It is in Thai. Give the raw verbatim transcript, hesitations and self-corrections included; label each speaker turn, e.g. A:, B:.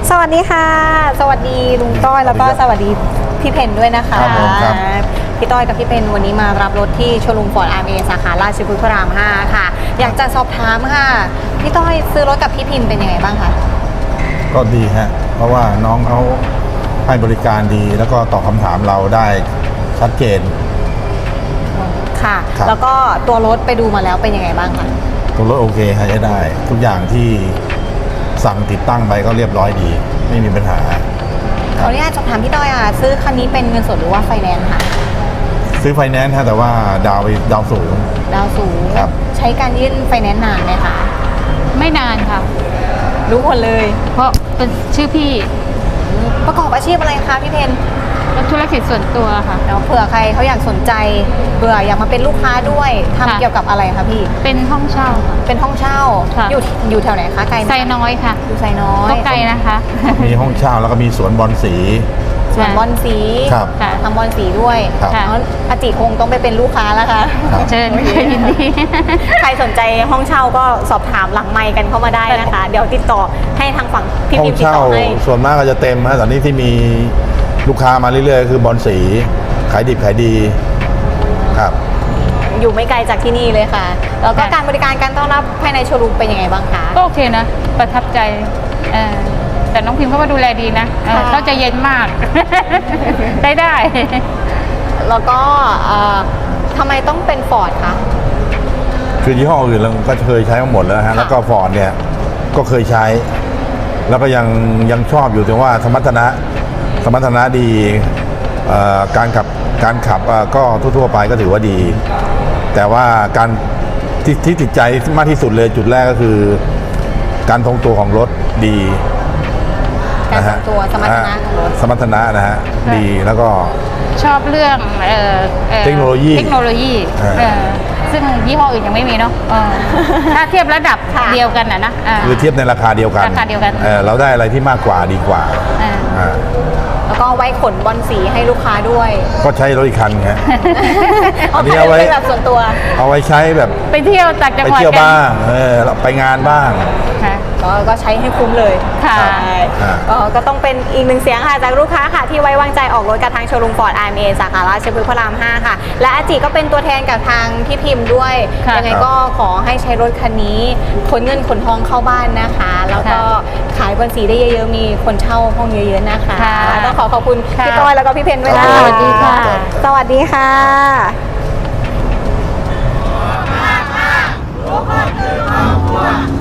A: สวัสดีค่ะสวัสดีลุงต้อยแล้วก็สวัสดีพี่เพนด้วยนะคะ
B: ครับผมครับ
A: พี่ต้อยกับพี่เพนวันนี้มารับรถที่โชว์รูมฟอร์ดอาร์เอสาขาราชพฤกษ์พระรามห้าค่ะอยากจะสอบถามค่ะพี่ต้อยซื้อรถกับพี่พิมพ์เป็นยังไงบ้างคะ
B: ก็ดีฮะเพราะว่าน้องเขาให้บริการดีแล้วก็ตอบคำถามเราได้ชัดเจน
A: ค่ะ
B: ครับ
A: แล้วก็ตัวรถไปดูมาแล้วเป็นยังไงบ้างคะ
B: ตัวรถโอเคใช้ได้ ทุกอย่างที่สั่งติดตั้งไปก็เรียบร้อยดี ไม่มีปัญหา
A: ขออนุญาตสอบถามพี่ต้อยอ่ะซื้อคันนี้เป็นเงินสดหรือว่าไฟแนนซ์ค่ะ
B: ซื้อไฟแนนซ์ฮะแต่ว่าดาวไปดาวสูง
A: ดาวสูง
B: ครับ
A: ใช้การยื่นไฟแนนซ์นานไหมคะ
C: ไม่นานค่ะ
A: รู้หมดเลย
C: เพราะเป็นชื่อพี่
A: ประกอบอาชีพอะไรคะพี่เพน
C: แล้วธุรกิจส่วนตัวค่ะ
A: เดี๋ยวเผื่อใครเขาอยากสนใจเบื่ออยากมาเป็นลูกค้าด้วยทำ
C: ค่ะ
A: เกี่ยวกับอะไรคะพี่
C: เป็นห้องเช่าค่ะ
A: เป็นห้องเช่า
C: ค่ะ
A: อยู่อยู่แถวไหนคะไกลไหม
C: ไซน้อยค่ะ
A: อยู่ไซน้อย
C: ก็ไกลนะคะ
B: มีห้องเช่าแล้วก็มีสวนบอลสี
A: ส่วนบอลสี
B: ครับ
C: ค่ะ
A: ทำบอลสีด้วย
B: ครับ
C: ค่ะ
A: แล้วอาจิคงต้องไปเป็นลูกค้าแล้วค่ะ
B: ครับ
C: เชิญค่ะยินดี
A: ใครสนใจห้องเช่าก็สอบถามหลังไมค์กันเข้ามาได้นะคะ เดี๋ยวติดต่อให้ทางฝั่งพี่
B: ห้อ
A: พิ
B: ง
A: มพ์ติด
B: เช่า
A: ต่อให้
B: ส่วนมากก็จะเต็มฮะตอนนี้ที่มีลูกค้ามาเรื่อยๆ คือบอลสีขายดิบขายดีครับ
A: อยู่ไม่ไกลจากที่นี่เลยค่ะ แล้วก็
C: ค่ะ
A: การบริการการต้อนรับภายในโชว์รูมเป็นยังไงบ้างคะ
C: ก็โอเคนะ ประทับใจเออแต่น้องพิมพ์เขาก็ดูแลดีนะเออ
A: ค่ะ
C: เขาใจเย็นมาก ได้ได้
A: แล้วก็เอ่อทำไมต้องเป็นฟอร์ดคะ
B: คือยี่ห้ออื่นเราก็เคยใช้มาหมดแล้วนะฮะ
A: ค่ะ
B: แล้วก็ฟอร์ดเนี่ยก็เคยใช้ แล้วก็ยังยังชอบอยู่ถึงว่าสมรรถนะสมรรถนะดีเอ่อการขับการขับเอ่อก็ทั่วๆไปก็ถือว่าดี แต่ว่าการที่ที่ติดใจมากที่สุดเลยจุดแรกก็คือ การทรงตัวของรถดี
A: การ
B: นะ
A: ทร
B: ฮะ
A: งตัวสมรรถนะของรถ
B: สมรรถนะนะฮะดีแล้วก็
C: ชอบเรื่องเอ่ออ่อ
B: เทคโนโลยี
C: เทคโนโลยี
B: อ่า
C: เออซึ่งยี่ห้ออื่นยังไม่มีเนาะเออถ้าเทียบระดับ
A: ค่ะ
C: เดียวกันนะนะา
B: คือเทียบในราคาเดียวกัน
C: ราคาเดียวกัน
B: เอ่อเราได้อะไรที่มากกว่าดีกว่า
C: อ่า
B: อ่า
A: แล้วก็ไว้ขนบอลสีให้ลูกค้าด้วย
B: ก็ใช้รถอีกคันไง
A: เอา
B: อันนี้
A: ไป
B: เอาไว้
A: เป็นแบบส่วนตัว
B: เอาไว้ใช้แบบ
C: ไปเที่ยวต่างจัง
B: ไป
C: หวัด
B: เที่ยว
C: กัน
B: บ้างเออไปงานบ้าง
C: ค่ะ
A: ก็ก็ใช้ให้คุ้มเลย
C: ค่ะ
A: ใช่
B: อ่า
A: ก็ก็ต้องเป็นอีกหนึ่งเสียงค่ะจากลูกค้าค่ะที่ไว้วางใจออกรถกับทางโชว์รูมฟอร์ดอาร์เอสาขาราชพฤกษ์พระรามห้าค่ะ และอาจิก็เป็นตัวแทนกับทางพี่พิมพ์ด้วย
C: ค่ะ
A: ยังไงก็ขอให้ใช้รถคันนี้ขนเงินขนทองเข้าบ้านนะคะ แล้วก็ขายบอลสีได้เยอะๆมีคนเช่าห้องเยอะๆนะคะ
C: ค่ะ
A: ต้องขอขอบคุณ
C: ค่ะ
A: พี่ต้อยแล้วก็พี่เพนด้วยนะ
B: ค
A: คะ
B: รับ
C: สวัสดีค่ะ
A: สวัสดีค่ะ
B: ครับ